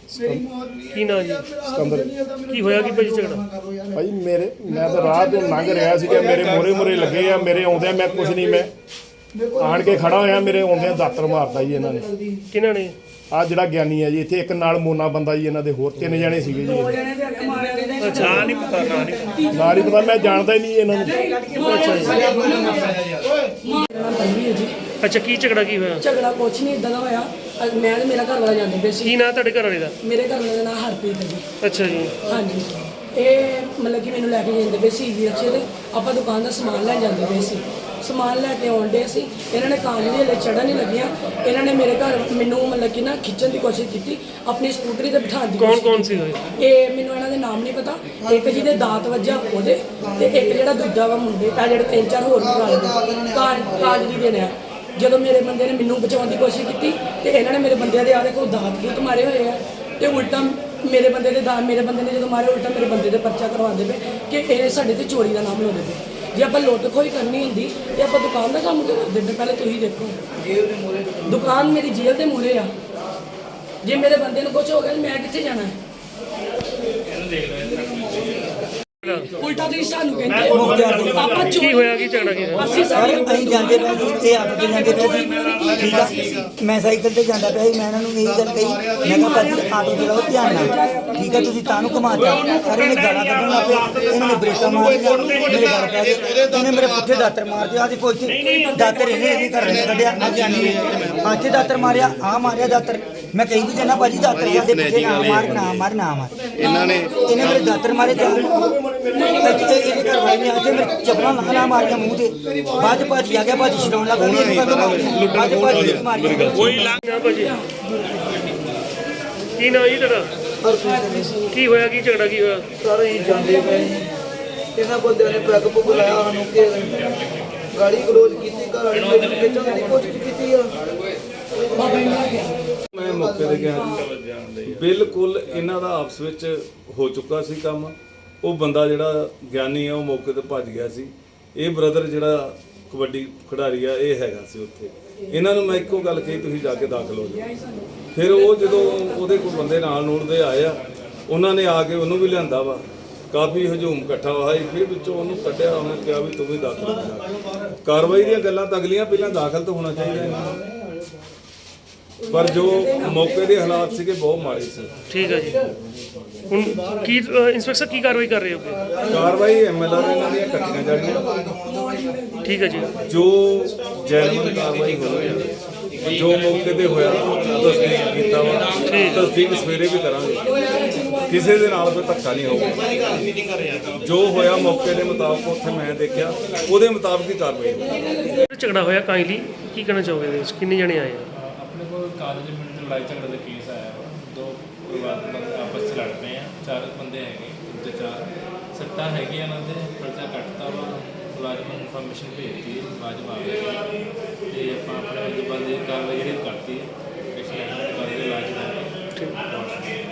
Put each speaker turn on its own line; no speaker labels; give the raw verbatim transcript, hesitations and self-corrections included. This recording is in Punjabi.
ਕੀ ਨਾਂ ਜੀ?
ਸਿਕੰਦਰ।
ਕੀ ਹੋਇਆ ਕੀ ਭਾਜੀ ਝਗੜਾ?
ਭਾਈ ਮੇਰੇ ਮੈਂ ਤਾਂ ਰਾਹ ਤੋਂ ਲੰਘ ਰਿਹਾ ਸੀਗਾ, ਮੇਰੇ ਮੋਰੇ ਮੋਰੇ ਲੱਗੇ ਆ, ਮੇਰੇ ਆਉਂਦਿਆਂ ਮੈਂ ਕੁਝ ਨਹੀਂ, ਮੈਂ ਆਣ ਕੇ ਖੜਾ ਹੋਇਆ, ਮੇਰੇ ਆਉਂਦਿਆਂ ਦਾਤਰ ਮਾਰਤਾ ਜੀ ਇਹਨਾਂ ਨੇ।
ਕਿਹਨਾਂ ਨੇ?
ਆ ਜਿਹੜਾ ਗਿਆਨੀ ਹੈ ਜੀ, ਇੱਥੇ ਇੱਕ ਨਾਲ ਮੋਨਾ ਬੰਦਾ ਜੀ, ਇਹਨਾਂ ਦੇ ਹੋਰ ਤਿੰਨ ਜਣੇ ਸੀਗੇ ਜੀ।
ਅੱਛਾ, ਨਾਂ ਨਹੀਂ ਪਤਾ, ਨਾਂ ਨਹੀਂ
ਨਾਲ ਹੀ ਪਤਾ, ਮੈਂ ਜਾਣਦਾ ਹੀ ਨਹੀਂ ਇਹਨਾਂ ਨੂੰ।
ਅੱਛਾ ਜੀ।
ਹੈ ਜੀ।
ਅੱਛਾ, ਕੀ ਝਗੜਾ ਕੀ ਹੋਇਆ?
ਝਗੜਾ ਕੁਛ ਨਹੀਂ ਇਦਾਂ ਦਾ ਹੋਇਆ। ਅੱਜ ਮੈਂ ਤੇ ਮੇਰਾ ਘਰ ਵਾਲਾ ਜਾਂਦੇ ਪਏ ਸੀ।
ਕੀ ਨਾਂ ਤੁਹਾਡੇ ਘਰ ਵਾਲੇ ਦਾ?
ਮੇਰੇ ਘਰ ਵਾਲੇ ਦਾ ਨਾਮ ਹਰਪ੍ਰੀਤ ਹੈ ਜੀ।
ਅੱਛਾ ਜੀ।
ਹਾਂਜੀ, ਇਹ ਮਤਲਬ ਕਿ ਮੈਨੂੰ ਲੈ ਕੇ ਜਾਂਦੇ ਪਏ ਸੀ ਰਿਕਸ਼ੇ ਤੇ। ਆਪਾਂ ਦੁਕਾਨ ਦਾ ਸਮਾਨ ਲੈਣ ਜਾਂਦੇ ਪਏ ਸੀ, ਸਮਾਨ ਲੈ ਕੇ ਆਉਣ ਡੇ ਸੀ। ਇਹਨਾਂ ਨੇ ਕਾਂਜ ਦੇ ਹਲੇ ਚੜ੍ਹਨ ਨਹੀਂ ਲੱਗੀਆਂ, ਇਹਨਾਂ ਨੇ ਮੇਰੇ ਘਰ ਮੈਨੂੰ ਮਤਲਬ ਕਿ ਨਾ ਖਿੱਚਣ ਦੀ ਕੋਸ਼ਿਸ਼ ਕੀਤੀ, ਆਪਣੀ ਸਕੂਟਰੀ ਤੇ ਬਿਠਾਉਣ ਦੀ
ਕੌਣ
ਕੋਸ਼ਿਸ਼
ਕੌਣ ਸੀ ਹੋਏ?
ਇਹ ਮੈਨੂੰ ਇਹਨਾਂ ਦੇ ਨਾਮ ਨਹੀਂ ਪਤਾ। ਇੱਕ ਜਿਹਦੇ ਦਾਤ ਵੱਜਾ ਉਹਦੇ, ਤੇ ਇੱਕ ਜਿਹੜਾ ਦੂਜਾ ਵਾ ਮੁੰਡੇ ਆ, ਜਿਹੜੇ ਤਿੰਨ ਚਾਰ ਹੋਰ ਵੀ ਨਾਲ ਕਾਂਜ ਕਾਂਜ ਦੀ ਦੇਣੇ ਆ। ਜਦੋਂ ਮੇਰੇ ਬੰਦੇ ਨੇ ਮੈਨੂੰ ਬਚਾਉਣ ਦੀ ਕੋਸ਼ਿਸ਼ ਕੀਤੀ ਤੇ ਇਹਨਾਂ ਨੇ ਮੇਰੇ ਬੰਦਿਆਂ ਦੇ ਆ ਦੇਖੋ ਦਾਤ ਬੂਤ ਮਾਰੇ ਹੋਏ ਆ, ਤੇ ਉਲਟਾ ਮੇਰੇ ਬੰਦੇ ਦੇ ਦਾ ਮੇਰੇ ਬੰਦੇ ਨੇ ਜਦੋਂ ਮਾਰੇ ਉਲਟਾ ਮੇਰੇ ਬੰਦੇ ਦੇ ਪਰਚਾ ਕਰਵਾਉਂਦੇ ਪਏ ਕਿ ਇਹ ਸਾਡੇ ਤੇ ਚੋਰੀ ਦਾ ਨਾਮ ਲਾਉਂਦੇ ਪਏ। ਜੇ ਆਪਾਂ ਲੁੱਟ ਖੋਹੀ ਕਰਨੀ ਹੁੰਦੀ ਤੇ ਆਪਾਂ ਦੁਕਾਨ ਦਾ ਕੰਮ ਕਿਉਂ ਕਰਦੇ ਪਏ? ਪਹਿਲੇ ਤੁਸੀਂ ਦੇਖੋ, ਜੇਲ੍ਹ ਦੇ ਮੂਹਰੇ ਦੁਕਾਨ ਮੇਰੀ ਜੇਲ੍ਹ ਦੇ ਮੂਹਰੇ ਆ। ਜੇ ਮੇਰੇ ਬੰਦੇ ਨੂੰ ਕੁਝ ਹੋ ਗਿਆ ਮੈਂ ਕਿੱਥੇ ਜਾਣਾ ਹੈ? ਉਲਟਾ ਤੁਸੀਂ ਸਾਨੂੰ ਕਹਿੰਦੇ ਆਪਾਂ
ਕੀ
ਚੋਰੀ
ਹੋਇਆ ਕੀ ਝਗੜਾ ਕੀ ਹੋਇਆ?
ਅਸੀਂ
ਸਾਰੇ
ਸਾਰੇ
ਅਸੀਂ ਜਾਂਦੇ ਪਏ ਸੀ, ਇਹ ਆਪ ਤੇ ਜਾਂਦੇ ਪਏ ਸੀ, ਠੀਕ ਆ। ਮੈਂ ਸਾਈਕਲ ਤੇ ਜਾਂਦਾ ਪਿਆ ਸੀ, ਮੈਂ ਇਹਨਾਂ ਨੂੰ ਇਹੀ ਗੱਲ ਕਹੀ, ਮੈਂ ਕਿਹਾ ਭਾਜੀ ਆਟੋ ਚਲਾਓ ਧਿਆਨ ਨਾਲ, ਠੀਕ ਆ, ਤੁਸੀਂ ਤਾਂ ਨੂੰ ਘੁਮਾਤਾ। ਸਾਰੇ ਨੇ ਗਾਲਾਂ ਕੱਢਣ ਲੱਗ ਪਏ, ਇਹਨਾਂ ਨੇ ਬ੍ਰੇਕਾਂ ਮਾਰੀਆਂ, ਮੇਰੇ ਗਲ ਪੈ ਗਏ, ਇਹਨੇ ਮੇਰੇ ਪੁੱਠੇ ਦਾਤਰ ਮਾਰ ਦਿਆ। ਆਹ ਦੇਖੋ ਇੱਥੇ ਦਾਤਰ ਇਹਨੇ ਇਹਦੇ ਘਰ ਨੇ ਕੱਢਿਆ, ਆ ਜਾਨੀ ਨੇ ਇੱਥੇ ਦਾਤਰ ਮਾਰਿਆ, ਆ ਮਾਰਿਆ ਦਾਤਰ। ਮੈਂ ਕਹੀ ਵੀ ਜਾਣਾ ਭਾਜੀ ਦਾਤਰ ਸਾਡੇ ਪਿੱਛੇ ਨਾ ਮਾਰ ਨਾ ਮਾਰ ਨਾ ਮਾਰ। ਇਹਨਾਂ ਨੇ ਇਹਨੇ ਮੇਰੇ ਦਾਤਰ ਮਾਰੇ ਤੇ ਇਹਦੇ ਘਰ ਵਾਲੇ ਨੇ ਆ ਕੇ ਮੇਰੇ ਚੱਪਲਾਂ ਲਾ ਲਾ ਮਾਰੀਆਂ ਮੂੰਹ ਤੇ। ਬਾਅਦ ਭਾਜੀ ਆ ਗਿਆ, ਭਾਜੀ ਛਡਾਉਣ ਲੱਗਾ, ਬਾਅਦ ਭਾਜੀ ਮਾਰੀਆਂ।
ਕੋਈ ਲੰਘ ਨਾ ਭਾਜੀ। ਕੀ ਨਾਂ ਜੀ ਤੇਰਾ? ਕੀ ਹੋਇਆ ਕੀ ਝਗੜਾ ਕੀ ਹੋਇਆ?
ਸਾਰੇ ਹੀ ਜਾਂਦੇ ਪਏ ਇਹਨਾਂ ਬੰਦਿਆਂ ਨੇ ਪੈਗ ਪੁੱਗ ਲਾਇਆ ਸਾਨੂੰ ਕਿ ਗਾੜੀ ਗਲੋਚ ਕੀਤੀ, ਘਰ ਵਾਲੀ ਮੈਨੂੰ ਖਿੱਚਣ ਦੀ ਕੋਸ਼ਿਸ਼ ਕੀਤੀ ਆ।
ਮੈਂ ਮੌਕੇ ਤੇ ਗਿਆ, ਬਿਲਕੁਲ ਇਹਨਾਂ ਦਾ ਆਪਸ ਵਿੱਚ ਹੋ ਚੁੱਕਾ ਸੀ ਕੰਮ। ਉਹ ਬੰਦਾ ਜਿਹੜਾ ਗਿਆਨੀ ਆ ਉਹ ਮੌਕੇ ਤੇ ਭੱਜ ਗਿਆ ਸੀ। ਇਹ ਬ੍ਰਦਰ ਜਿਹੜਾ ਕਬੱਡੀ ਖਿਡਾਰੀ ਆ ਇਹ ਹੈਗਾ ਸੀ ਉੱਥੇ। ਇਹਨਾਂ ਨੂੰ ਮੈਂ ਇੱਕੋ ਗੱਲ ਕਹੀ, ਤੁਸੀਂ ਜਾ ਕੇ ਦਾਖਲ ਹੋ ਜਾਓ। ਫਿਰ ਉਹ ਜਦੋਂ ਉਹਦੇ ਕੋਲ ਬੰਦੇ ਨਾਲ ਨੂਰ ਦੇ ਆਏ ਆ, ਉਹਨਾਂ ਨੇ ਆ ਕੇ ਉਹਨੂੰ ਵੀ ਲਿਆਂਦਾ ਵਾ। ਕਾਫੀ ਹਜੂਮ ਇਕੱਠਾ ਹੋਇਆ, ਫਿਰ ਵਿੱਚੋਂ ਉਹਨੂੰ ਕੱਢਿਆ, ਉਹਨੇ ਕਿਹਾ ਵੀ ਤੂੰ ਵੀ ਦਾਖਲ ਹੋ ਜਾ। ਕਾਰਵਾਈ ਦੀਆਂ ਗੱਲਾਂ ਤਾਂ ਅਗਲੀਆਂ, ਪਹਿਲਾਂ ਦਾਖਲ ਤਾਂ ਹੋਣਾ ਚਾਹੀਦਾ ਇਹਨਾਂ ਨੂੰ। ਪਰ ਜੋ ਮੌਕੇ ਦੇ ਹਾਲਾਤ ਸੀਗੇ ਬਹੁਤ ਮਾੜੇ ਸੀ।
ਠੀਕ ਹੈ ਜੀ। ਹੁਣ ਕੀ ਇੰਸਪੈਕਟਰ ਕੀ ਕਾਰਵਾਈ ਕਰ ਰਹੇ ਹੋ?
ਕਾਰਵਾਈ ਐਮਐਲਆਰ ਇਹਨਾਂ ਦੀਆਂ ਕੱਟੀਆਂ ਜਾਣੀਆਂ।
ਠੀਕ ਹੈ ਜੀ।
ਜੋ ਜੈਨੂਇਨ ਕਾਰਵਾਈ ਹੋਈ, ਜੋ ਮੌਕੇ ਤੇ ਹੋਇਆ ਤਸਦੀਕ ਕੀਤਾ ਵਾ, ਤਸਦੀਕ ਸਵੇਰੇ ਵੀ ਕਰਾਂਗੇ। ਕਿਸੇ ਦੇ ਨਾਲ ਕੋਈ ਧੱਕਾ ਨਹੀਂ ਹੋਊਗਾ। ਜੋ ਹੋਇਆ ਮੌਕੇ ਦੇ ਮੁਤਾਬਕ ਉੱਥੇ ਮੈਂ ਦੇਖਿਆ, ਉਹਦੇ ਮੁਤਾਬਕ ਹੀ ਕਾਰਵਾਈ ਹੋਈ।
ਝਗੜਾ ਹੋਇਆ ਕਾਈਂਡਲੀ ਕੀ ਕਹਿਣਾ ਚਾਹੋਗੇ ਇਹਦੇ ਵਿੱਚ? ਕਿੰਨੇ ਜਣੇ ਆਏ ਆ?
ਆਪਣੇ ਕੋਲ ਕਾਲਜ ਮਿੰਟ ਲੜਾਈ ਝਗੜੇ ਦਾ ਕੇਸ ਆਇਆ ਵਾ। ਦੋ ਪਰਿਵਾਰ ਬੰਦੇ ਆਪਸ 'ਚ ਲੜ ਪਏ ਆ, ਚਾਰ ਬੰਦੇ ਹੈਗੇ, ਤੇ ਚਾਰ ਸੱਟਾਂ ਹੈਗੀਆਂ ਇਹਨਾਂ ਦੇ। ਪਰਚਾ ਕੱਟਤਾ ਵਾ, ਮੁਲਾਜ਼ਮ ਨੂੰ ਇਨਫੋਰਮੇਸ਼ਨ ਭੇਜਤੀ ਹੈ, ਮੁਲਾਜ਼ਮ ਆ ਗਏ ਤੇ ਆਪਾਂ ਆਪਣੇ ਬੰਦੇ ਦੀ ਕਾਰਵਾਈ ਜਿਹੜੀ ਕਰਤੀ ਹੈ, ਇਸ ਲਈ ਕਰਦੇ ਇਲਾਜ ਕਰਕੇ।